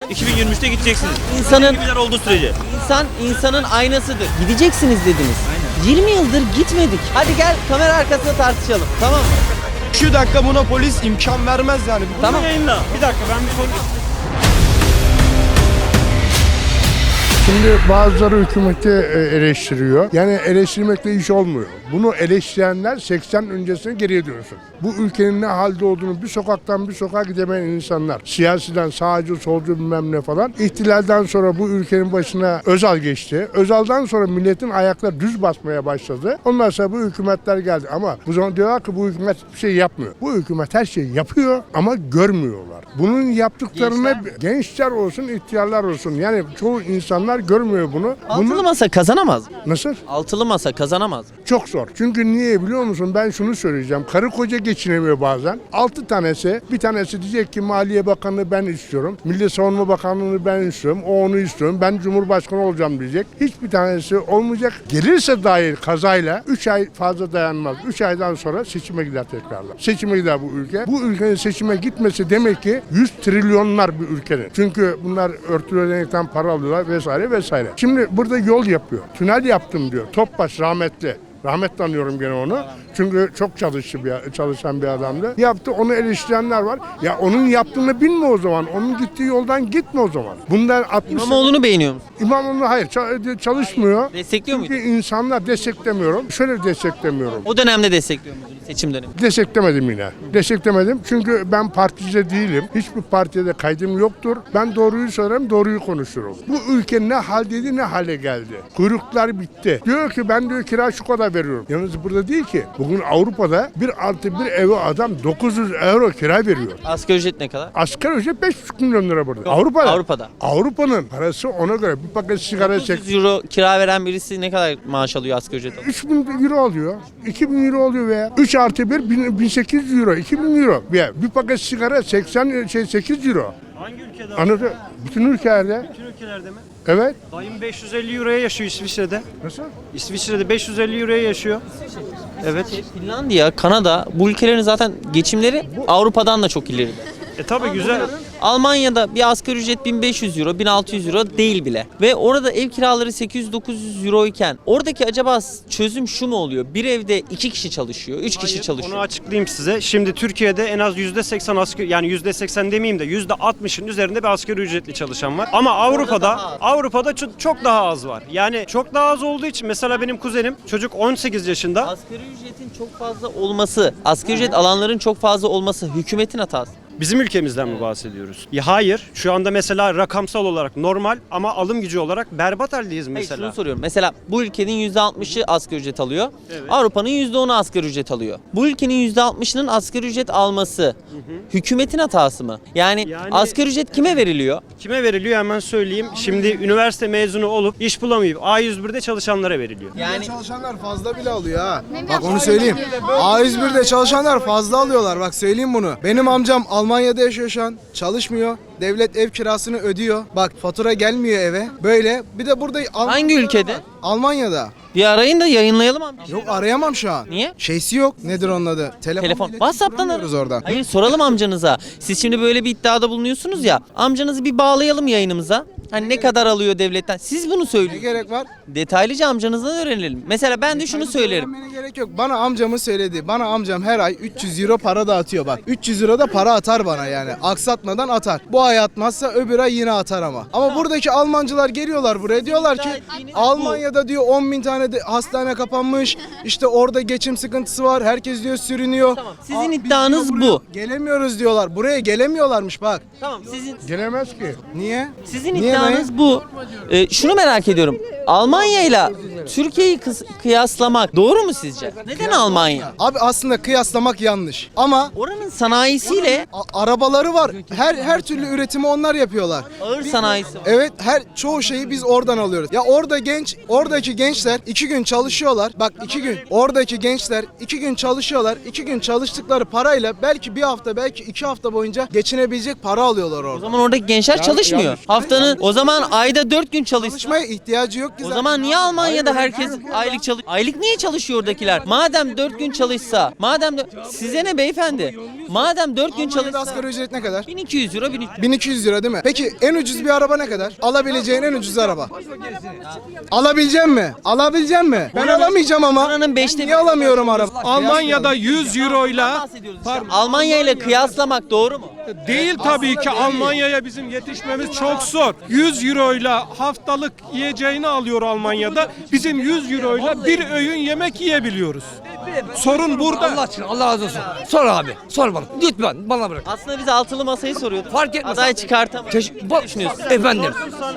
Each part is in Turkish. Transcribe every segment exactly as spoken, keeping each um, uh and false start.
iki bin yirmi üçte gideceksiniz. İnsanın gibiler olduğu sürece. insan insanın aynasıdır. Gideceksiniz dediniz. yirmi yıldır gitmedik. Hadi gel kamera arkasında tartışalım. Tamam mı? Şu dakika buna polis imkan vermez yani. Tamam. Yayınla. Bir dakika ben bir soru. Şimdi bazıları hükümeti e, eleştiriyor. Yani eleştirmekle iş olmuyor. Bunu eleştirenler seksen öncesine geriye dönsün. Bu ülkenin ne halde olduğunu bir sokaktan bir sokağa gidemeyen insanlar, siyasiden sağcı, solcu bilmem ne falan. İhtilalden sonra bu ülkenin başına Özal geçti. Özal'dan sonra milletin ayakları düz basmaya başladı. Ondan sonra bu hükümetler geldi. Ama bu zaman diyorlar ki bu hükümet bir şey yapmıyor. Bu hükümet her şeyi yapıyor ama görmüyorlar. Bunun yaptıklarını gençler, gençler olsun, ihtiyarlar olsun. Yani çoğu insanlar görmüyor bunu. Altılı bunu masa kazanamaz mı? nasıl? Altılı masa kazanamaz mı? Çok zor. Çünkü niye biliyor musun? Ben şunu söyleyeceğim. Karı koca geçinemiyor bazen. Altı tanesi, bir tanesi diyecek ki Maliye Bakanlığı ben istiyorum. Milli Savunma Bakanlığı'nı ben istiyorum. O onu istiyorum. Ben Cumhurbaşkanı olacağım diyecek. Hiçbir tanesi olmayacak. Gelirse dahi kazayla üç ay fazla dayanmaz. üç aydan sonra seçime gider tekrarlar. Seçime gider bu ülke. Bu ülkenin seçime gitmesi demek ki yüz trilyonlar bir ülkenin. Çünkü bunlar örtülü ödenekten para alıyorlar vesaire vesaire. Şimdi burada yol yapıyor. Tünel yaptım diyor. Topbaş rahmetli. Rahmetle anıyorum gene onu. Çünkü çok çalıştı bir, çalışan bir adamdı. Yaptı, onu eleştirenler var. Ya onun yaptığını bilme o zaman. Onun gittiği yoldan gitme o zaman. Bundan altmış İmamoğlu'nu beğeniyor musun? İmamoğlu hayır çalışmıyor. Destekliyor Çünkü muydun? insanlar desteklemiyorum. Şöyle desteklemiyorum. O dönemde destekliyor muydun seçim dönemi? Desteklemedim yine. Desteklemedim çünkü ben partici değilim. Hiçbir partiye de kaydım yoktur. Ben doğruyu söylerim, doğruyu konuşurum. Bu ülke ne haldeydi ne hale geldi. Kuyruklar bitti. Diyor ki ben diyor kira şu kadar veriyorum. Yalnız burada değil ki. Bugün Avrupa'da bir artı bir eve adam dokuz yüz euro kira veriyor. Asgari ücret ne kadar? Asgari ücret beş buçuk milyon lira burada. Avrupa'da. Avrupa'da. Avrupa'nın parası ona göre bir paket sigara çek. dokuz yüz euro kira veren birisi ne kadar maaş alıyor asgari ücret alıyor? üç bin euro alıyor. iki bin euro oluyor veya üç artı bir bin sekiz yüz euro. iki bin euro. Bir, bir paket sigara seksen şey sekiz euro. Hangi ülkede? Anladın? Bütün ülkelerde. Bütün ülkelerde mi? Evet. Dayım beş yüz elli euroya yaşıyor İsviçre'de. Nasıl? İsviçre'de beş yüz elli euroya yaşıyor. Evet. Finlandiya, Kanada bu ülkelerin zaten geçimleri Avrupa'dan da çok ileride. E tabi güzel. Almanya'da bir asgari ücret bin beş yüz euro, bin altı yüz euro değil bile. Ve orada ev kiraları sekiz yüz dokuz yüz euro iken oradaki acaba çözüm şu mu oluyor? Bir evde iki kişi çalışıyor, üç kişi Hayır, çalışıyor. Onu açıklayayım size. Şimdi Türkiye'de en az yüzde seksen asgari, yani yüzde seksen demeyeyim de yüzde altmışın üzerinde bir asgari ücretli çalışan var. Ama Avrupa'da daha az. Avrupa'da çok, çok daha az var. Yani çok daha az olduğu için mesela benim kuzenim çocuk on sekiz yaşında. Asgari ücretin çok fazla olması, asgari ücret alanların çok fazla olması hükümetin hatası. Bizim ülkemizden mi bahsediyoruz? Ya hayır. Şu anda mesela rakamsal olarak normal ama alım gücü olarak berbat haldeyiz Hayır, mesela. şunu soruyorum. Mesela bu ülkenin yüzde altmışı asgari ücret alıyor. Evet. Avrupa'nın yüzde onu asgari ücret alıyor. Bu ülkenin yüzde altmışının asgari ücret alması hükümetin hatası mı? Yani, Yani- asgari ücret kime veriliyor? Kime veriliyor hemen söyleyeyim. Şimdi üniversite mezunu olup iş bulamayıp A yüz birde çalışanlara veriliyor. Yani Çalışanlar fazla bile alıyor ha. Bak onu söyleyeyim. A yüz birde çalışanlar fazla alıyorlar. Bak söyleyeyim bunu. Benim amcam Almanya'da yaşıyor şu an. Çalışmıyor. Devlet ev kirasını ödüyor. Bak fatura gelmiyor eve. Böyle. Bir de burada Almanya'da hangi ülkede? var. Almanya'da. Bir arayın da yayınlayalım abi. Yok arayamam şu an. Niye? Şeysi yok. Nedir onun adı? Telefon. Telefon. iletişim WhatsApp'tan kuramıyoruz ara. oradan. Hayır soralım amcanıza. Siz şimdi böyle bir iddiada bulunuyorsunuz ya. Amcanızı bir bağlayalım yayınımıza. Hani ne kadar alıyor devletten? Siz bunu Ne söyleyin. gerek var? Detaylıca amcanızdan öğrenelim. Mesela ben de şunu söylerim. Öğrenmene gerek yok. Bana amcamı söyledi. Bana amcam her ay üç yüz euro para dağıtıyor bak. üç yüz euro da para atar bana yani. Aksatmadan atar. Bu ay atmazsa öbür ay yine atar ama. Ama buradaki Almancılar geliyorlar buraya. Diyorlar ki Almanya'da diyor on bin tane de hastane kapanmış. İşte orada geçim sıkıntısı var. Herkes diyor sürünüyor. Tamam, sizin Aa, biz iddianız diyor bu. buraya Gelemiyoruz diyorlar. Buraya gelemiyorlarmış bak. Tamam sizin Gelemez ki. Niye? sizin Niye iddianız bu. Ee, şunu merak ediyorum. Almanya ile Türkiye'yi kıs- kıyaslamak doğru mu sizce? Neden Almanya? Abi aslında kıyaslamak yanlış. Ama Oranın sanayisiyle a- arabaları var. Her her türlü üretimi onlar yapıyorlar. ağır sanayisi var. Evet her çoğu şeyi biz oradan alıyoruz. Ya orada genç, oradaki gençler iki gün çalışıyorlar. Bak iki gün. Oradaki gençler iki gün çalışıyorlar. İki gün çalıştıkları parayla belki bir hafta belki iki hafta boyunca geçinebilecek para alıyorlar O orada. zaman oradaki gençler çalışmıyor. yanlış. Haftanın o zaman ayda dört gün çalışsa Çalışmaya ihtiyacı yok O zaman niye Almanya'da herkes aylık çalış Aylık niye çalışıyor oradakiler? Madem dört gün çalışsa, madem de size ne beyefendi? Madem dört gün Almanya'da çalışsa asgari ücret ne kadar? bin iki yüz euro, bin üç yüz. bin iki yüz lira değil mi? Peki en ucuz bir araba ne kadar? Alabileceğin en ucuz araba. Alabileceğim mi? Alabileceğim mi? Ben alamayacağım ama. Buranın beşte Niye alamıyorum araba? Almanya'da yüz euroyla bahsediyoruz işte. Almanya ile kıyaslamak doğru mu? değil tabii ki, Almanya'ya bizim yetişmemiz çok zor. yüz euroyla haftalık yiyeceğini alıyor Almanya'da. Bizim yüz euroyla bir öğün yemek yiyebiliyoruz. Sorun burada. Allah aşkına, Allah razı olsun. Sor abi, sor bana. Lütfen bana bırak. Aslında biz altılı masayı soruyorduk. Fark etmez. Aday çıkartamadık. Teş- Ne düşünüyorsun? Efendim.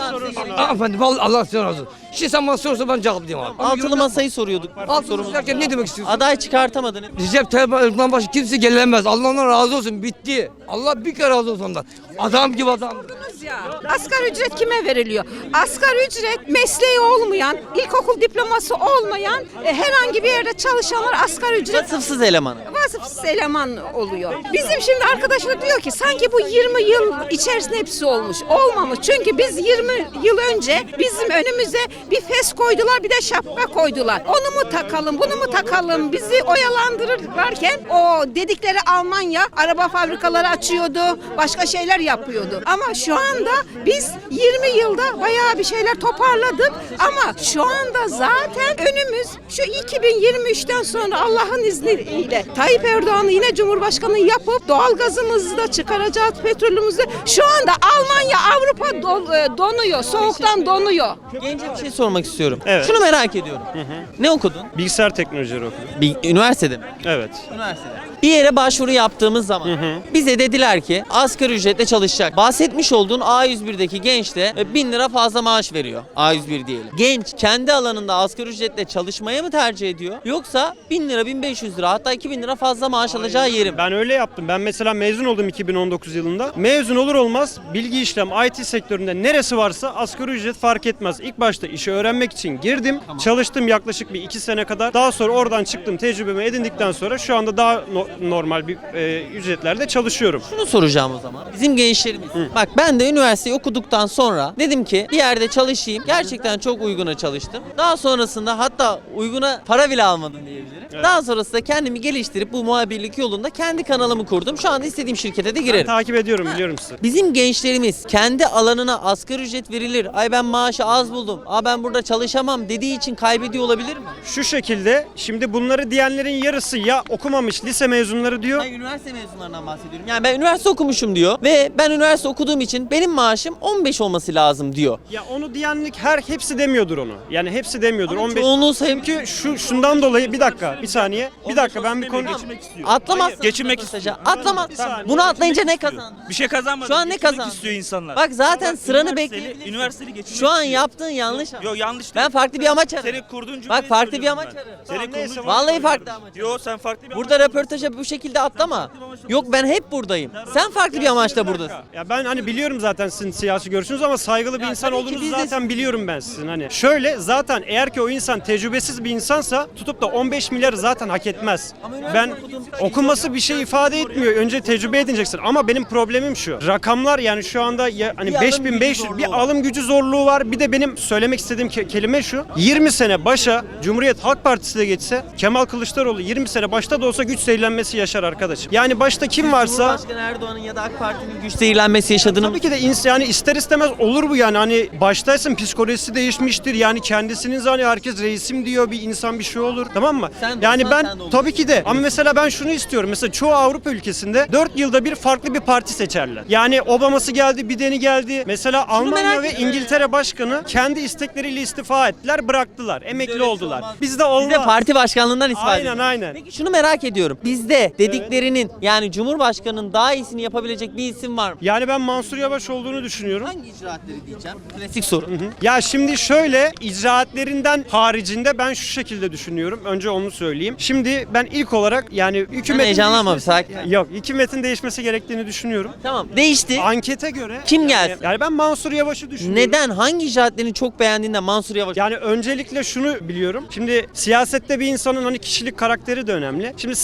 Aa, efendim, vallahi Allah razı olsun. Şimdi sen bana sorsan ben cevaplayayım abi. Altılı masayı soruyorduk. Altı Sorumuz. derken ne demek istiyorsun? Aday çıkartamadın. Recep Tayyip Erdoğan başı kimse gelemez. Allah ondan razı olsun. Bitti. Allah bir kere razı olsun ondan. Adam gibi adam. Ya, asgari ücret kime veriliyor? Asgari ücret mesleği olmayan, ilkokul diploması olmayan e, herhangi bir yerde çalışanlar asgari ücret Vasıfsız elemanı. vasıfsız eleman oluyor. Bizim şimdi arkadaşlar diyor ki sanki bu yirmi yıl içerisinde hepsi olmuş. Olmamış. Çünkü biz yirmi yıl önce bizim önümüze bir fes koydular, bir de şapka koydular. Onu mu takalım, bunu mu takalım? Bizi oyalandırırlarken o dedikleri Almanya araba fabrikaları açıyordu, başka şeyler yapıyordu. Ama şu anda biz yirmi yılda bayağı bir şeyler toparladık ama şu anda zaten önümüz şu iki bin yirmi üçten sonra Allah'ın izniyle Tayyip Erdoğan'ı yine Cumhurbaşkanı yapıp doğalgazımızı da çıkaracağız, petrolümüzü de. Şu anda Almanya, Avrupa do- donuyor, soğuktan donuyor. Gence bir şey sormak istiyorum. Evet. Şunu merak ediyorum. Ne okudun? Bilgisayar teknolojileri okudum. Bir üniversitede mi? Evet. Üniversitede. Bir yere başvuru yaptığımız zaman bize dediler ki asgari ücretle çalışacak. Bahsetmiş olduğun A yüz birdeki genç de e, bin lira fazla maaş veriyor. A yüz bir diyelim. Genç kendi alanında asgari ücretle çalışmaya mı tercih ediyor? Yoksa bin lira, bin beş yüz lira, hatta iki bin lira fazla maaş alacağı yerim. Ben öyle yaptım. Ben mesela mezun oldum iki bin on dokuz yılında. Mezun olur olmaz bilgi işlem, I T sektöründe neresi varsa asgari ücret fark etmez. İlk başta işi öğrenmek için girdim. Çalıştım yaklaşık bir iki sene kadar. Daha sonra oradan çıktım, tecrübemi edindikten sonra şu anda daha no- normal bir e, ücretlerde çalışıyorum. Şunu soracağım o zaman. Bizim gençlerimiz. Bak ben de üniversiteyi okuduktan sonra dedim ki bir yerde çalışayım. Gerçekten çok uyguna çalıştım. Daha sonrasında hatta uyguna para bile almadım diyebilirim. Daha sonrasında kendimi geliştirip bu muhabirlik yolunda kendi kanalımı kurdum. Şu anda istediğim şirkete de Ben girerim. takip ediyorum, biliyorum sizi. Bizim gençlerimiz kendi alanına asgari ücret verilir. Ay ben maaşı az buldum. Aa ben burada çalışamam dediği için kaybediyor olabilir mi? Şu şekilde, şimdi bunları diyenlerin yarısı ya okumamış lise mezunları diyor. Ben üniversite mezunlarından bahsediyorum. Yani ben üniversite okumuşum diyor ve ben üniversite okuduğum için benim maaşım on beş olması lazım diyor. Ya onu diyenlik her hepsi demiyordur onu. Yani hepsi demiyordur. Ama on beş. çoğunluğu sayım- Çünkü şu şundan dolayı bir dakika, bir saniye. Bir dakika ben bir konu Atlamazsın. Geçinmek röportaja. istiyor. Atlamaz. Bir saniye. Bunu atlayınca ne kazandın? Bir şey kazanmadı. Şu an ne Geçinmek kazandın? istiyor insanlar. Bak zaten sıranı Üniversiteli- bekleyebilirsin. Üniversiteli geçinmek Şu an istiyor. yaptığın yanlış. Yok yanlış Ben değil. farklı bir amaç ararım. Senin kurduğun cümleyi Bak farklı bir söylüyorum amaç ben. ararım. Senin Tamam, kurduğun neyse, cümleyi Vallahi söylüyorum. farklı amaç. Yok sen farklı bir Burada röportaja bu şekilde atlama. Yok ben hep buradayım. Sen farklı bir amaçla buradasın. Ya ben hani biliyorum zaten sizin siyasi görüşünüz ama saygılı bir Ya insan tabii ki olduğunuzu biz de- zaten biliyorum ben sizin hani. Şöyle zaten eğer ki o insan tecrübesiz bir insansa tutup da on beş milyar zaten hak etmez. Ama üniversite Ben okudum. okuması bir şey ifade etmiyor. Önce tecrübe edineceksin. Ama benim problemim şu. Rakamlar yani şu anda ya, hani Bir alım gücü beş bin beş yüz zorluğu bir var. alım gücü zorluğu var. Bir de benim söylemek istediğim ke- kelime şu. yirmi sene başa Cumhuriyet Halk Partisi de geçse Kemal Kılıçdaroğlu yirmi sene başta da olsa güç zehirlenmesi yaşar arkadaşım. Yani başta kim varsa Cumhurbaşkanı Erdoğan'ın ya da AK Parti'nin güç zehirlenmesi yaşadığını tabii ki de ins- yani ister istemez olur bu yani hani baştaysın psikolojisi değişmiştir yani kendisinin zaten herkes reisim diyor bir insan bir şey olur tamam mı? Sen de yani olsan ben sen de olursun. tabii ki de ama mesela ben şunu istiyorum mesela çoğu Avrupa ülkesinde dört yılda bir farklı bir parti seçerler. Yani Obama'sı geldi Biden'i geldi mesela Almanya merak ve ediyorum. İngiltere başkanı kendi istekleriyle istifa ettiler bıraktılar emekli öyle bir şey oldular. olmaz. Bizde olmaz. Bizde parti başkanlığından ispat Aynen, ediyor. aynen. Peki şunu merak ediyorum. Bizde dediklerinin yani Cumhurbaşkanı'nın daha iyisini yapabilecek bir isim var mı? Yani ben Mansur Yavaş olduğunu düşünüyorum. Hangi icraatleri diyeceğim? Klasik soru. Ya şimdi şöyle icraatlerinden haricinde ben şu şekilde düşünüyorum. Önce onu söyleyeyim. Şimdi ben ilk olarak yani Sen hükümetin heyecanlanma bir değişmesi- sakin. Yok, hükümetin değişmesi gerektiğini düşünüyorum. Tamam değişti. Ankete göre Kim yani- gelsin? Yani ben Mansur Yavaş'ı düşünüyorum. Neden? Hangi icraatlerini çok beğendiğinde Mansur Yavaş? Yani öncelikle şunu biliyorum. Şimdi siyasette bir insanın hani kişilik karakteri de önemli. Şimdi saygılı bir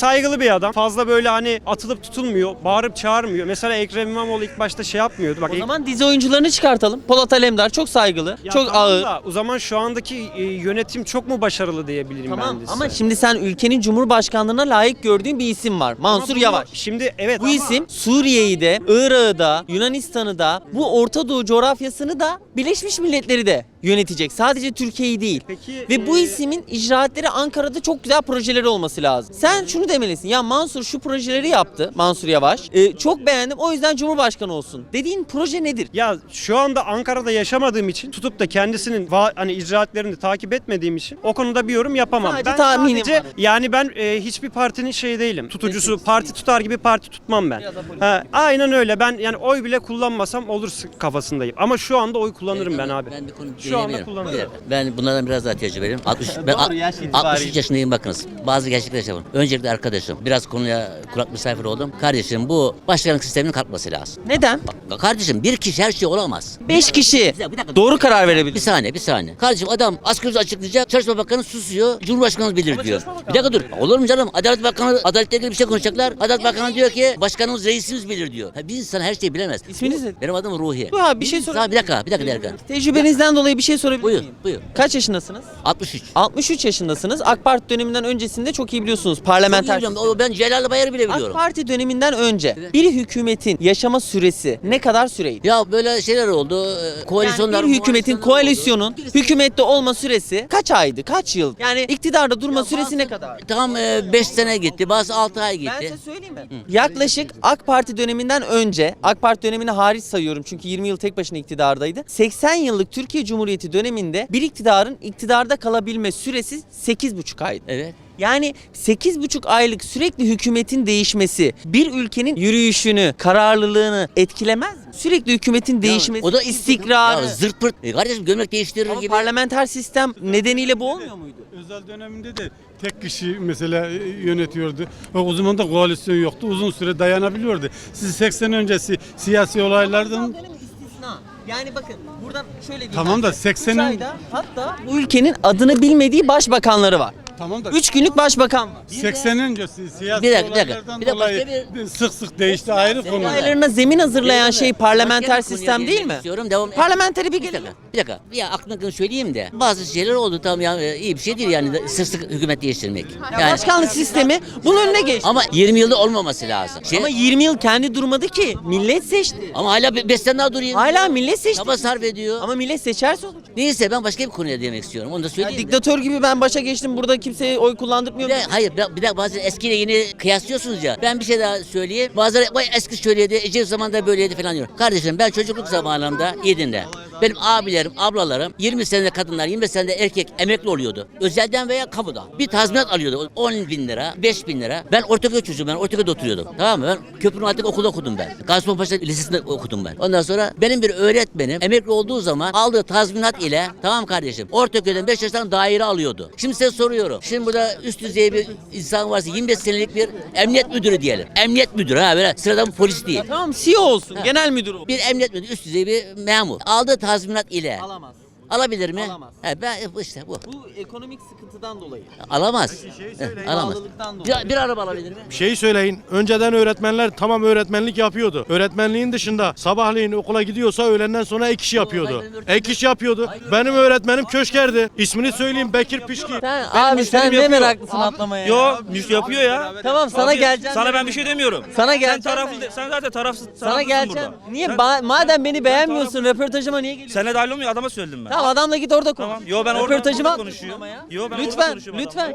bir adam. Fazla böyle hani atılıp tutulmuyor. Bağırıp çağırmıyor. Mesela Ekrem İmamoğlu ilk başta şey yapmıyordu. Bak O zaman dizi oyuncularını çıkartalım. Polat Alemdar çok saygılı, Ya çok tamam ağır. da, o zaman şu andaki e, yönetim çok mu başarılı diyebilirim Tamam ben de size. ama şimdi sen ülkenin cumhurbaşkanlığına layık gördüğün bir isim var. Ama Mansur bunu- Yavaş. Şimdi evet Bu ama isim Suriye'yi de, Irak'ı da, Yunanistan'ı da, bu Orta Doğu coğrafyasını da, Birleşmiş Milletleri de yönetecek. Sadece Türkiye'yi değil. Peki, Ve bu e, isimin icraatleri Ankara'da çok güzel projeleri olması lazım. Sen şunu demelisin. Ya Mansur şu projeleri yaptı. Mansur Yavaş. E, çok beğendim. O yüzden Cumhurbaşkanı olsun. Dediğin proje nedir? Ya şu anda Ankara'da yaşamadığım için tutup da kendisinin va- hani icraatlerini takip etmediğim için o konuda bir yorum yapamam. Sadece ben tahminim sadece var. yani ben e, hiçbir partinin şey değilim. Tutucusu Destekçisi parti tutar gibi parti tutmam ben. Biraz da politik. Ha, aynen öyle. Ben yani oy bile kullanmasam olur kafasındayım. Ama şu anda oy kullanırım ben abi. Ben bir konu Şu anda diyebilirim. kullanırım. Ben bunlardan biraz daha tecrübeliyim. altmış, ben Doğru, yaş itibariyle. altmış üç yaşındayım bakınız. Bazı gerçekler yaşadım. Öncelikle arkadaşım biraz konuya kulak misafir oldum. Kardeşim bu başkanlık sisteminin kalkması lazım. Neden? Bak, kardeşim bir kişi her şey olamaz. Beş kişi dakika, bir dakika. doğru karar Bir verebilir. saniye bir saniye. Kardeşim adam asgari ücret açıklayacak. Çalışma Bakanı susuyor. Cumhurbaşkanımız bilir diyor. Bir dakika dur. Olur mu canım? Adalet Bakanı adaletle ilgili bir şey konuşacaklar. Adalet Bakanı diyor ki başkanımız reisimiz bilir diyor. Ha, bir insan her şeyi bilemez. İsminiz ne? Benim adım Ruhi. Bu abi bir şey insan- sorabilir Bir dakika bir dakika bir dakika. Tecrübenizden dolayı bir şey sorabilir Buyur miyim? buyur. Kaç yaşındasınız? altmış üç. altmış üç yaşındasınız. AK Parti döneminden öncesinde çok iyi biliyorsunuz. Parlamenter Biliyorum, sistem. o ben Celal Bayar'ı bile AK biliyorum. Parti döneminden önce bir hükümetin yaşama süresi ne kadar süreydi? Ya böyle şeyler oldu. e, Koalisyonlar. Yani bir hükümetin, koalisyonlar koalisyonun oldu. hükümette olma süresi kaç aydı, kaç yıl? Yani iktidarda durma Ya süresi bazı- ne kadar? Tam beş sene gitti, bazı altı ay Ben gitti. size söyleyeyim mi? Yaklaşık AK Parti döneminden önce, AK Parti dönemini hariç sayıyorum çünkü yirmi yıl tek başına iktidardaydı. seksen yıllık Türkiye Cumhuriyeti döneminde bir iktidarın iktidarda kalabilme süresi sekiz buçuk aydı. Evet. Yani sekiz buçuk aylık sürekli hükümetin değişmesi bir ülkenin yürüyüşünü, kararlılığını etkilemez mi? Sürekli hükümetin değişmesi, o da istikrarı. Ya zırt pırt. E kardeşim gömlek değiştirir Ama gibi. parlamenter sistem nedeniyle bu olmuyor muydu? Özel döneminde de tek kişi mesela yönetiyordu. Ve o zaman da koalisyon yoktu. Uzun süre dayanabiliyordu. Siz seksen öncesi siyasi olaylardan Dönem istisna. Yani bakın buradan şöyle diyeyim. Tamam ben da size. seksenin Üç ayda hatta bu ülkenin adını bilmediği başbakanları var. tamam da Üç günlük başbakan var. seksen öncesi siyasi Bir dakika, bir dakika. olaylardan Bir de başka dolayı bir- sık sık değişti ayrı konu. Olaylarına zemin hazırlayan şey parlamenter Başka bir konuya sistem değil değinmek mi? istiyorum, devam- Parlamenteri bir Bir gelelim. dakika, bir dakika. Ya aklımdakini söyleyeyim de. Bazı şeyler oldu tamam ya e, iyi bir şey değil yani de- sık sık hükümet değiştirmek. Ya Yani, başkanlık sistemi bunun önüne geçti. ama yirmi yılda olmaması lazım. Şey, Ama ama, yirmi yıl kendi durmadı ki. Millet seçti. hala beş sene daha durayım. Hala millet seçti. Çaba sarf ediyor. Ama millet seçerse olacak. Neyse ben başka bir konuya değinmek istiyorum. Onu da Ya söyleyeyim. de. diktatör gibi ben başa geçtim burada kimseye oy kullandırmıyor. Bir de, hayır bir, bir de bazen eskiyle yeni kıyaslıyorsunuz ya. Ben bir şey daha söyleyeyim. Bazıları vay eski şöyleydi, Ecevit zamanında böyleydi falan diyor. Kardeşim ben çocukluk zamanımda iyi dinle. Benim abilerim, ablalarım yirmi senede kadınlar, yirmi beş senede erkek emekli oluyordu. Özelden veya kamuda. Bir tazminat alıyordu. on bin lira, beş bin lira. Ben Ortaköy çocuğum, ben Ortaköy'de oturuyordum. Tamam mı? Ben köprünün altındaki okulda okudum ben. Gazipaşa Lisesi'nde okudum ben. Ondan sonra benim bir öğretmenim emekli olduğu zaman aldığı tazminat ile tamam kardeşim Ortaköy'den beş yaştan daire alıyordu. Şimdi size soruyorum. Şimdi burada üst düzey bir insan varsa yirmi beş senelik bir emniyet müdürü diyelim. Emniyet müdürü ha böyle sıradan bir polis değil. Tamam C E O olsun. Ha. Genel müdür olsun. Bir emniyet müdürü üst düzey bir memur. Aldığı tazminat ile Alamaz. alabilir mi? Alamaz. He, ben işte bu. Bu ekonomik sıkıntıdan dolayı. Alamaz. He, alamaz. Pahalılıktan dolayı. Bir, bir araba alabilir mi? Bir şey söyleyin. Önceden öğretmenler tamam öğretmenlik yapıyordu. Öğretmenliğin dışında sabahleyin okula gidiyorsa öğlenden sonra ek iş yapıyordu. Ek iş yapıyordu. Benim öğretmenim köşkerdi. İsmini söyleyeyim Bekir Pişki. Sen, abi sen işlerimi ne yapıyor. meraklısın atlamaya ya. Yo, müş yapıyor ya. Tamam sana Abi, geleceğim. Sana ben bir şey demiyorum. Sana Sen geleceğim. taraflı, de- sen zaten tarafsız. Sana tarafsızsın geleceğim. burada. Niye? Sen- Ba- madem beni beğenmiyorsun röportajıma niye geliyorsun? Seninle dahil olmuyor, adama söyledim ben. Tamam adamla git orada konuş. Tamam. Yo ben orada, Röportajıma orada konuşuyorum. Yo ben orada Lütfen, konuşuyorum lütfen.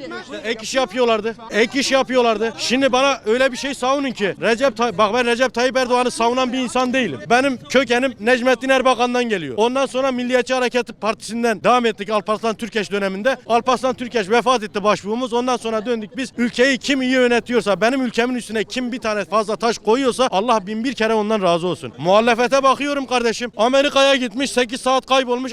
Ek iş yapıyorlardı. Ek iş yapıyorlardı. Şimdi bana öyle bir şey savunun ki Recep Tay bak ben Recep Tayyip Erdoğan'ı savunan bir insan değilim. Benim kökenim Necmettin Erbakan'dan geliyor. Ondan sonra Milliyetçi Hareket Partisi'nden devam ettik Alparslan Türkeş döneminde. Alparslan Türkeş vefat etti başbuğumuz. Ondan sonra döndük biz ülkeyi kim iyi yönetiyorsa benim ülkemin üstüne kim bir tane fazla taş koyuyorsa Allah bin bir kere ondan razı olsun. Muhalefete bakıyorum kardeşim. Amerika'ya gitmiş sekiz saat kaybolmuş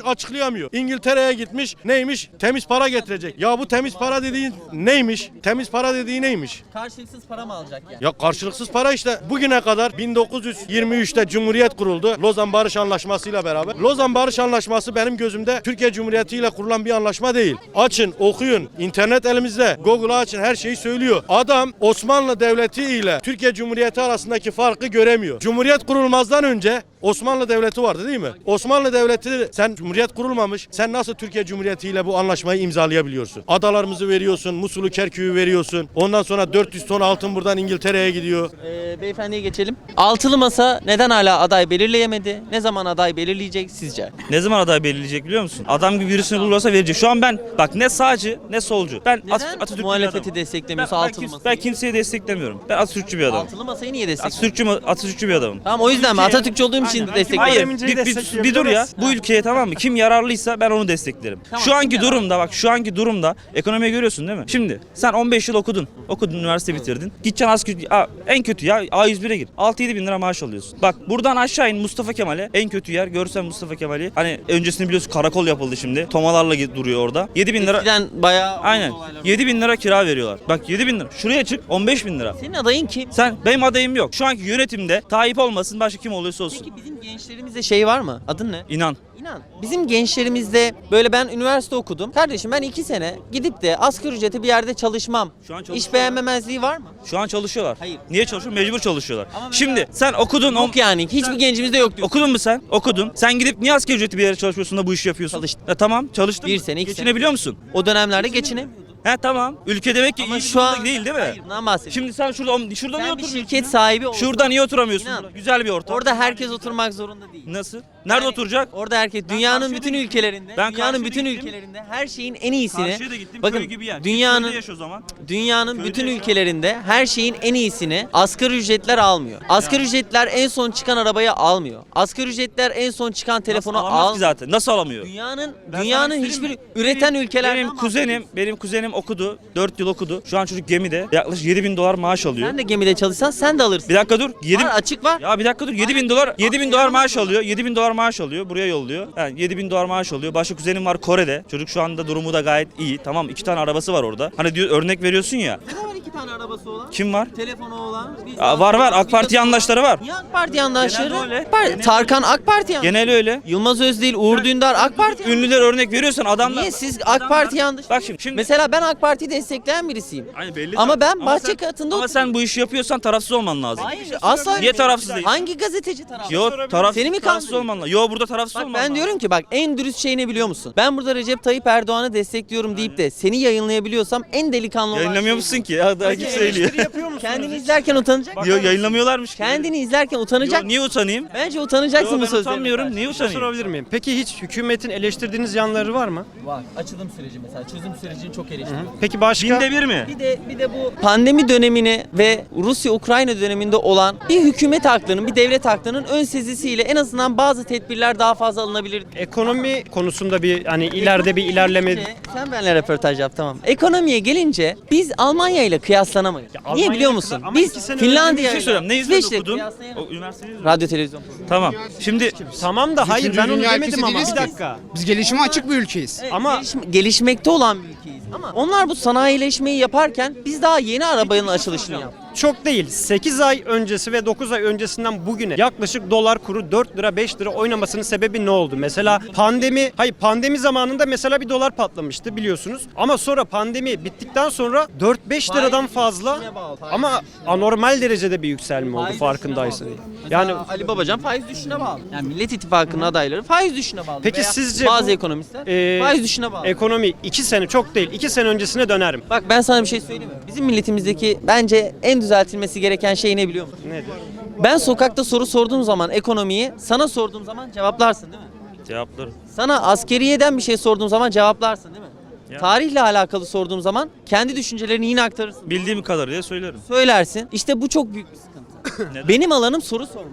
açıklayamıyor. İngiltere'ye gitmiş neymiş? Temiz para getirecek. Ya bu temiz para dediğin neymiş? Temiz para dediği neymiş? Karşılıksız para mı alacak yani? Ya karşılıksız para işte. Bugüne kadar bin dokuz yüz yirmi üçte Cumhuriyet kuruldu. Lozan Barış Anlaşması ile beraber. Lozan Barış Anlaşması benim gözümde Türkiye Cumhuriyeti ile kurulan bir anlaşma değil. Açın, okuyun. İnternet elimizde. Google'a açın, her şeyi söylüyor. Adam Osmanlı Devleti ile Türkiye Cumhuriyeti arasındaki farkı göremiyor. Cumhuriyet kurulmazdan önce Osmanlı Devleti vardı değil mi? Osmanlı Devleti, sen Cumhuriyet kurulmamış. Sen nasıl Türkiye Cumhuriyeti ile bu anlaşmayı imzalayabiliyorsun? Adalarımızı veriyorsun, Musul'u, Kerkük'ü veriyorsun. Ondan sonra dört yüz ton altın buradan İngiltere'ye gidiyor. Ee, beyefendiye geçelim. Altılı Masa neden hala aday belirleyemedi? Ne zaman aday belirleyecek sizce? Ne zaman aday belirleyecek biliyor musun? Adam gibi birisini bulursa verecek. Şu an ben bak ne sağcı ne solcu. Ben At- Neden Atatürk'ü bir muhalefeti adamım. desteklemiyorsa ben, ben, Altılı kimse, Masa'yı? ben kimseyi desteklemiyorum. Ben Atatürkçü bir adamım. Altılı Masa'yı niye destekliyor? Atatürkçü, Atatürkçü bir adamım. Tamam o yüzden mi? Ülkeye- Atatürkçü olduğum için Hayır, destekliyorum. bir, bir, bir dur ya. Bu ülkeye tamam mı? Kim yararlıysa ben onu desteklerim. Tamam, şu anki kim yararlı? durumda bak şu anki durumda ekonomiyi görüyorsun değil mi? Şimdi sen on beş yıl okudun. Okudun, üniversite bitirdin. Gideceksin asgari a- en kötü ya A yüz bire gir. altı yedi bin lira maaş alıyorsun. Bak buradan aşağı in Mustafa Kemal'e. En kötü yer görsen Mustafa Kemal'i. Hani öncesini biliyorsun karakol yapıldı şimdi. Tomalarla gi- duruyor orada. yedi bin lira. Eskiden bayağı Aynen. yedi bin lira kira veriyorlar. Bak yedi bin lira. Şuraya çık on beş bin lira. Senin adayın kim? Sen benim adayım yok. Şu anki yönetimde Tayyip olmasın başka kim oluyorsa olsun. Peki bizim gençlerimizde şey var mı? Adın ne? İnan. İnan. Bizim gençlerimizde böyle ben üniversite okudum. Kardeşim ben iki sene gidip de asgari ücrete bir yerde çalışmam. Şu an İş çalışıyorlar. beğenmemezliği var mı? Şu an çalışıyorlar. Hayır. Niye çalışıyor? Mecbur çalışıyorlar. Ama mesela- Şimdi sen okudun. Yok yani. Hiçbir gencimizde yok diyor. Okudun mu sen? Okudun. Sen gidip niye asgari ücretli bir yere çalışmıyorsun da bu işi yapıyorsun? Çalıştım. E, tamam çalıştın Bir mı? sene, iki sene. Geçinebiliyor musun? O dönemlerde geçinemiyordum. He tamam. Ülke demek ki Ama iyi şu an değil değil mi? Hayır, bundan bahsediyorum. Şimdi sen şurada şurada niye Sen bir oturmuyorsun? şirket sahibi olsan, Şurada niye oturamıyorsun? İnan. Güzel bir ortam. orada herkes oturmak zorunda değil. Nasıl? Nerede Yani oturacak? Orada herkes dünyanın karşıya bütün da gittim. ülkelerinde, Ben dünyanın karşıya bütün da gittim. ülkelerinde her şeyin en iyisini Karşıya da gittim. bakın köy gibi yer. dünyanın Köyde yaş o zaman. dünyanın Köyde bütün yaşa. ülkelerinde her şeyin en iyisini asgari ücretler almıyor. Asgari ücretler en son çıkan arabayı almıyor. Asgari ücretler en son çıkan telefonu Nasıl alamaz ki almıyor. zaten? Nasıl alamıyor? Dünyanın Ben dünyanın sana hiçbir söyleyeyim mi? üreten Benim- ülkelerden Benim kuzenim, benim kuzenim okudu. dört yıl okudu. Şu an çocuk gemide. Yaklaşık yedi bin dolar maaş alıyor. Sen de gemide çalışsan sen de alırsın. Bir dakika dur. yedi Var, açık var. Ya bir dakika dur. yedi bin dolar yedi bin dolar maaş alıyor. yedi bin dolar maaş alıyor. Buraya yolluyor. Yani yedi bin dolar maaş alıyor. Başka kuzenim var Kore'de. Çocuk şu anda durumu da gayet iyi. Tamam iki tane arabası var orada. Hani diyor örnek veriyorsun ya. Ne var iki tane arabası olan? Kim var? Telefonu olan. bir- Aa, var var AK Parti yandaşları var. Niye AK Parti yandaşları? Genelde öyle. AK Parti- Genelde Tarkan AK Parti yandaşı. Genel öyle. Yılmaz Özdil, Uğur Dündar AK Parti yandaşı. Ünlüler örnek veriyorsan adamlar. Niye siz AK Parti yandaşı? Bak şimdi. şimdi Mesela ben AK Parti'yi destekleyen birisiyim. Hani belli Ama zaten. ben bahçe sen- katında Ama sen bu işi yapıyorsan tarafsız olman lazım. Hayır asla. Niye tarafsız değil? Hangi gazeteci tarafsız? Yo tarafsız, Seni mi tarafsız kandırıyor? olman lazım. Yo burada tarafsız Bak olman ben lazım. diyorum ki bak en dürüst şey ne biliyor musun? Ben burada Recep Tayyip Erdoğan'ı destekliyorum deyip de seni yayınlayabiliyorsam en delikanlı olan Yayınlamıyor şey musun ki? Ya daha kim söylüyor. bu. Kendini izlerken utanacak. Yo yayınlamıyorlarmış ki. Kendini izlerken utanacak. Yo, niye utanayım? Bence utanacaksın Yo, bu ben sözlerine. utanmıyorum. karşı. Niye Bir şey utanayım? sorabilir miyim? Peki hiç hükümetin eleştirdiğiniz yanları var mı? Var. Açılım süreci mesela. Çözüm sürecini çok eleştiriyorum. Peki başka? Binde bir mi? Bir de bir de bu pandemi dönemini ve Rusya-Ukrayna döneminde olan bir hükümet aklının, bir devlet aklının ön sezisiyle en azından bazı tedbirler daha fazla alınabilir. Ekonomi konusunda bir hani ileride bir ilerleme. Gelince- Sen benimle röportaj yap tamam. Ekonomiye gelince biz Almanya ile kıyaslanamayız. Niye Almanya biliyor ile musun? kıyas- ama iki Biz sene Finlandiya Bir şey söyleyeyim. Ne İsveç'le izledin okudun? kıyaslayamayız. O üniversiteyi izledin. Radyo televizyon. Tamam. Şimdi Tamam da hayır ben onu dünya demedim ülkesi ama değiliz bir ki. dakika. Biz gelişime açık bir ülkeyiz. Ama- Gelişme- gelişmekte olan bir ülkeyiz. Ama onlar bu sanayileşmeyi yaparken biz daha yeni arabanın açılışını yaptık. Çok değil. sekiz ay öncesi ve dokuz ay öncesinden bugüne yaklaşık dolar kuru dört lira beş lira oynamasının sebebi ne oldu? Mesela pandemi, hayır pandemi zamanında mesela bir dolar patlamıştı biliyorsunuz. Ama sonra pandemi bittikten sonra dört beş liradan fazla ama anormal derecede bir yükselme oldu Faiz farkındaysın. düşüşüne bağlı. Yani Mesela Ali Babacan faiz düşüşüne bağlı. Yani Millet İttifakı'nın adayları faiz düşüşüne bağlı. Peki Veya sizce bazı bu, ekonomistler e, faiz düşüşüne bağlı. ekonomi iki sene çok değil iki sene öncesine dönerim. Bak ben sana bir şey söyleyeyim mi? Bizim milletimizdeki bence en düzeltilmesi gereken şey ne biliyor musun? Nedir? Ben sokakta soru sorduğum zaman ekonomiyi, sana sorduğum zaman cevaplarsın değil mi? cevaplarım. Sana askeriyeden bir şey sorduğum zaman cevaplarsın değil mi? Ya. Tarihle alakalı sorduğum zaman kendi düşüncelerini yine aktarırsın. Bildiğim kadarıyla söylerim. Söylersin. İşte bu çok büyük bir sıkıntı. Neden? Benim alanım soru sormak.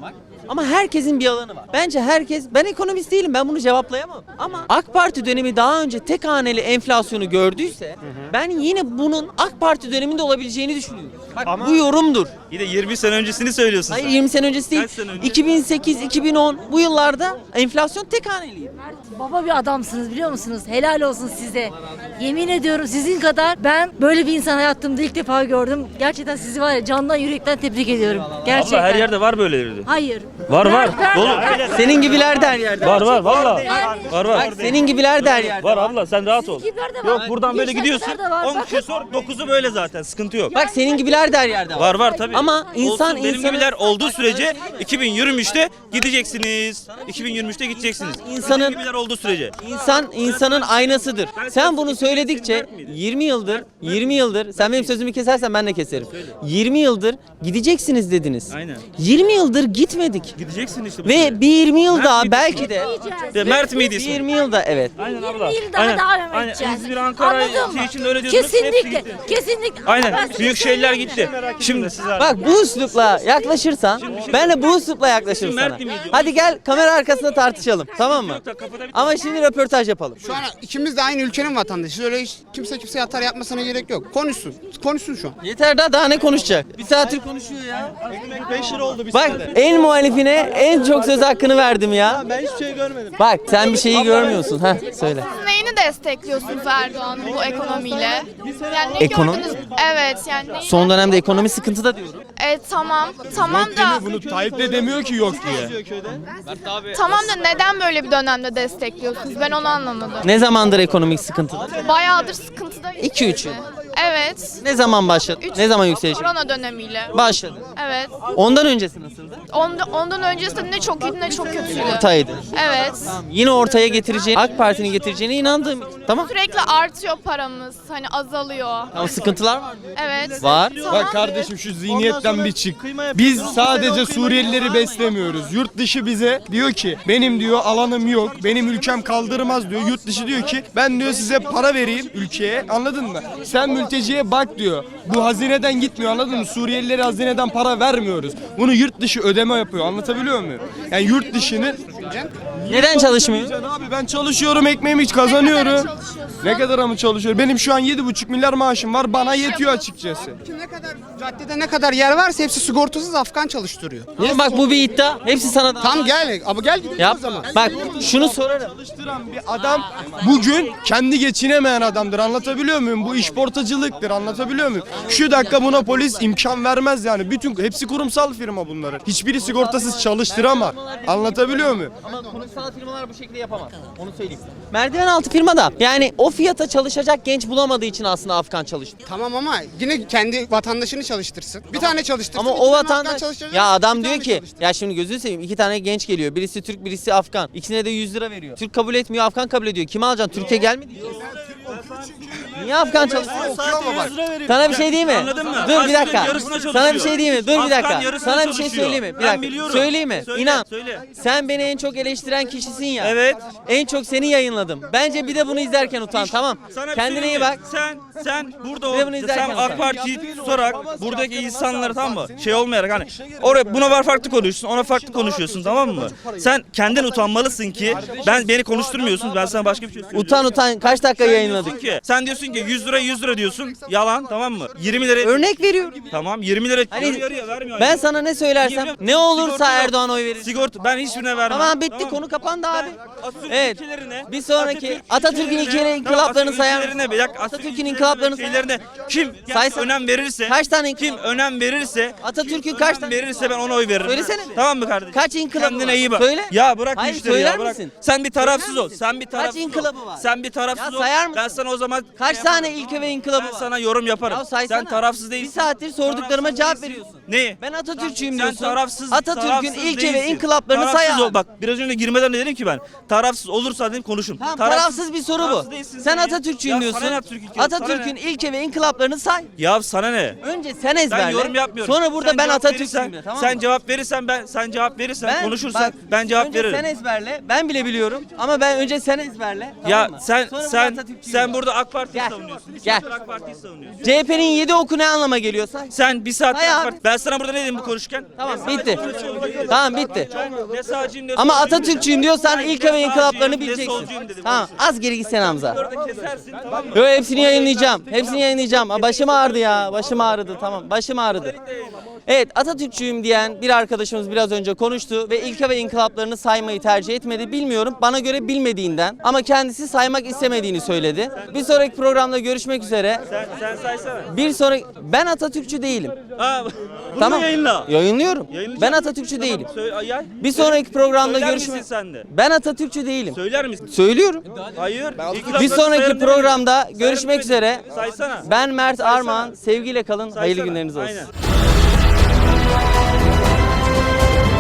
Ama herkesin bir alanı var. Bence herkes, ben ekonomist değilim, ben bunu cevaplayamam. Ama AK Parti dönemi daha önce tek haneli enflasyonu gördüyse ben yine bunun AK Parti döneminde olabileceğini düşünüyorum. Bak Ama- bu yorumdur. Yine yirmi sene öncesini söylüyorsun Hayır sen. yirmi sene öncesi değil. Kaç sene önce? iki bin sekiz iki bin on bu yıllarda enflasyon tek haneliydi. Baba bir adamsınız biliyor musunuz? Helal olsun size. Yemin ediyorum sizin kadar ben böyle bir insan hayatımda ilk defa gördüm. Gerçekten sizi var ya candan yürekten tebrik ediyorum. Gerçekten. Abla her yerde var böyleleri. Hayır. Var var. Ben- Dolu. Senin gibiler de her yerde. Var var valla. Var var. Bak senin gibiler de her yerde. Var abla sen rahat ol. Sizinkiler de var. Yok buradan böyle Gençler gidiyorsun. de var. on Bakın. kişi sor dokuzu böyle zaten sıkıntı yok. Bak senin gibiler de her yerde var. Var var tabii. Ama insan Olsun, benim insanı- gibiler olduğu sürece iki bin yirmi üçte gideceksiniz. iki bin yirmi üçte gideceksiniz. İnsanın- Benim gibiler olduğu sürece. İnsan insanın aynasıdır. Sen bunu söyledikçe yirmi yıldır, yirmi yıldır sen benim sözümü kesersen ben de keserim. yirmi yıldır gideceksiniz dediniz. Aynen. yirmi yıldır gitmedik. Gideceksin işte. bu Ve sürece. bir yirmi yıl Mert daha miydi? belki de De, Mert miydi bir ismi? yirmi yılda evet. Aynen abla. yıl daha Aynen. devam Aynen. edeceğiz. İzmir, Ankara Anladın şey mı? için öyle diyorsunuz. Hepsi Kesinlikle. gitti. Kesinlikle. Aynen. Ben size Büyük şehirler söyleyeyim gitti. mi? Şimdi Bak bu üslupla yaklaşırsan ben de bu üslupla yaklaşırım Mert sana. miydi? Hadi gel kamera arkasında tartışalım tamam mı? Ama şimdi röportaj yapalım. Şu an ikimiz de aynı ülkenin vatandaşıyız. Öyle hiç kimse kimseye atar yapmasına gerek yok. Konuşsun. Konuşsun şu an. Yeter daha daha ne konuşacak? Bir saattir konuşuyor ya. Bak en muhalifine en çok söz hakkını verdim ya. Ben hiçbir şey görmedim. Bak sen bir şeyi görmüyorsun. Ha söyle. Neyini destekliyorsunuz Erdoğan'ın bu ekonomiyle? Yani ne Ekonomi? gördünüz? Evet yani. neyi- Son dönemde ekonomi sıkıntıda diyorum. Evet tamam. Tamam da. Bunu Tayyip de demiyor ki yok diye. Tamam da neden böyle bir dönemde destekliyorsunuz? Ben onu anlamadım. Ne zamandır ekonomik sıkıntıda? Bayağıdır sıkıntıda. iki üç yıl. Evet. Ne zaman başladı? Üç- Ne zaman yükseliş? Korona dönemiyle. Başladı. Evet. Ondan öncesi nasıldı? Ondan, ondan öncesinde ne çok iyiydi ne çok kötüydü. Ortaydı. Evet. Yine ortaya getireceğini, AK Parti'nin getireceğine inandığım için. Tamam. Sürekli artıyor paramız. Hani azalıyor. Tamam sıkıntılar var. Evet. Var. Bak kardeşim şu zihniyetten bir çık. Biz sadece Suriyelileri beslemiyoruz. Yurt dışı bize diyor ki benim diyor alanım yok. Benim ülkem kaldırmaz diyor. Yurt dışı diyor ki ben diyor size para vereyim ülkeye. Anladın mı? Sen mülteciye bak diyor. Bu hazineden gitmiyor anladın mı? Suriyelilere hazineden para vermiyoruz. Bunu yurt dışı ödeme yapıyor. Anlatabiliyor muyum? Yani yurt dışının Neden çalışmıyor? Abi ben çalışıyorum, ekmeğimi hiç kazanıyorum. Ne kadar mı çalışıyorum? Benim şu an yedi buçuk milyar maaşım var. Bana yetiyor açıkçası. Ne kadar caddede ne kadar yer varsa hepsi sigortasız Afgan çalıştırıyor. Ama bak bu bir iddia. Hepsi sana da. Tam gel. Ama gel gidelim Yap. o zaman. Bak şunu sorarım. Çalıştıran bir adam bugün kendi geçinemeyen adamdır. Anlatabiliyor muyum? Bu işportacılıktır. Anlatabiliyor muyum? Şu dakika buna polis imkan vermez yani. Bütün hepsi kurumsal firma bunların. Hiçbiri sigortasız çalıştıramaz. Anlatabiliyor muyum? Ama kurumsal firmalar bu şekilde yapamaz. Onu söyleyeyim. Merdiven altı firmada yani o fiyata çalışacak genç bulamadığı için aslında Afgan çalıştı. Tamam ama yine kendi vatandaşını çalıştırsın. Bir tane çalıştırsın. Ama iki o tane Afgan vatandaş çalıştıracak, ya adam bir diyor tane ki çalıştırsın. ya şimdi gözünü seveyim iki tane genç geliyor. Birisi Türk birisi Afgan. İkisine de yüz lira veriyor. Türk kabul etmiyor Afgan kabul ediyor. Kimi alacaksın? Türkiye gelmedi ki. Niye Afgan çalıştırıyorsun? Sana bir şey diyeyim mi? Anladın mı? Dur bir Askerin dakika. yarısına çalışıyor. Sana bir şey diyeyim mi? Dur bir Afgan dakika. yarısına Sana bir şey çalışıyor. söyleyeyim mi? Bir Ben dakika. biliyorum. Söyleyeyim mi? Söyle, İnan. söyle. Sen beni en çok eleştiren kişisin ya. Evet. En çok seni yayınladım. Bence bir de bunu izlerken utan tamam. Sana bir Kendine şey iyi diyeyim bak. mi? Sen sen burada Bir de ol, bunu sen izlerken AK utan. Parti'yi tutarak buradaki insanları tamam mı? Şey olmayarak hani oraya buna var farklı konuşuyorsun, ona farklı konuşuyorsun tamam mı? Sen kendin utanmalısın ki ben beni konuşturmuyorsun. Ben sana başka bir şey söylüyorum. Utan utan kaç dakika Sen yayınladık? diyorsun ki, sen diyorsun ki yüz lira yüz lira diyorsun. Yalan tamam mı? yirmi lira. Örnek veriyorum. Tamam yirmi lira. Hani yarı yarıya vermiyor. ben yani. sana ne söylersem Sigorta ne olursa yok. Erdoğan oy verir. Sigorta ben hiçbirine vermem. Tamam bitti mı? konu kapandı abi. Atatürk Evet. ilkelerine, Bir sonraki Atatürk Atatürk'ün ilkelerine- ilkeleri Tamam, inkılaplarını Atatürk'ün sayar ilkelerine mısın? bir dakika, Atatürk'ün inkılaplarını sayar şeylerine kim Saysan- önem verirse Kaç tane kim önem verirse Atatürk'ün kim kaç önem tane verirse ben ona oy veririm. Söylesene bir. Tamam mı kardeşim? Kaç inkılabı Kendine var? iyi bak. Söyle. Ya bırak Hayır, müşteri söyler ya bırak. misin? Sen bir tarafsız Söyler ol. misin? Sen bir Kaç tarafsız ol. inkılabı var? Sen bir tarafsız Ya ol. sayar mısın? Ben sana o zaman Kaç şey tane yaparım. ilke ve inkılabı Ben var? sana yorum yaparım. Ya saysana. Sen tarafsız değilsin. Bir saattir sorduklarıma Tarafsız cevap değilsin. veriyorsun. Neyi? Ben Atatürkçüyüm Sen diyorsun. tarafsız, Atatürk'ün tarafsız ilke ve değilsin. inkılaplarını say Tarafsız ol. abi. Bak biraz önce girmeden de dedim ki ben tarafsız olursa dedim konuşun. Tamam tarafsız bir soru tarafsız bu. değilsin Sen ya. Atatürkçüyüm Ya diyorsun. sana ne Atatürk ilke? Sana Atatürk'ün ne? ilke ve inkılaplarını say. Ya sana ne? Önce sen ezberle. Ben yorum yapmıyorum. Sonra burada Sen ben cevap Atatürk'üyüm verirsen- de tamam Sen mı? cevap verirsen ben sen cevap verirsen Ben- konuşursan bak, ben cevap önce veririm. sen ezberle. Ben bile biliyorum ama ben önce sen ezberle. Ya tamam mı? sen Sonra burada sen Atatürkçüyüm sen de. burada AK Parti'yi Gel. savunuyorsun. Bir Gel. saattir AK Parti'yi savunuyorsun. C H P'nin yedi oku ne anlama geliyor say? Sen bir saattir Hay AK abi. Parti. Ben sana burada ne dedim bu konuşurken? Tamam bitti. Tamam bitti. Ne sağcıyım ne Ama solcuyum Atatürkçüyüm diyorsan ilke ve inkılaplarını bileceksin. Tamam az geri gitsene Hamza. Orada kesersin tamam mı? Yo hepsini yayınlayacağım. Hepsini yayınlayacağım. Aa, başım ağrıdı ya. Başım ağrıdı. Tamam. Başım ağrıdı. Evet Atatürkçüyüm diyen bir arkadaşımız biraz önce konuştu ve ilke ve inkılaplarını saymayı tercih etmedi. Bilmiyorum. Bana göre bilmediğinden ama kendisi saymak istemediğini söyledi. Bir sonraki programda görüşmek üzere. Sen, sen saysana. Bir sonraki ben Atatürkçü değilim. Ha, bunu Tamam. yayınla. Yayınlıyorum. Yayınlayacağım. Ben Atatürkçü Tamam, değilim. söyle- yay. Bir sonraki programda Söyler görüşmek. misin sen de? Ben Atatürkçü değilim. Söyler misin? Söylüyorum. Hayır. Bir sonraki programda görüşmek üzere. Saysana. Ben Mert Saysana. Armağan. Sevgiyle kalın. Hayırlı Saysana. günleriniz olsun. Aynen.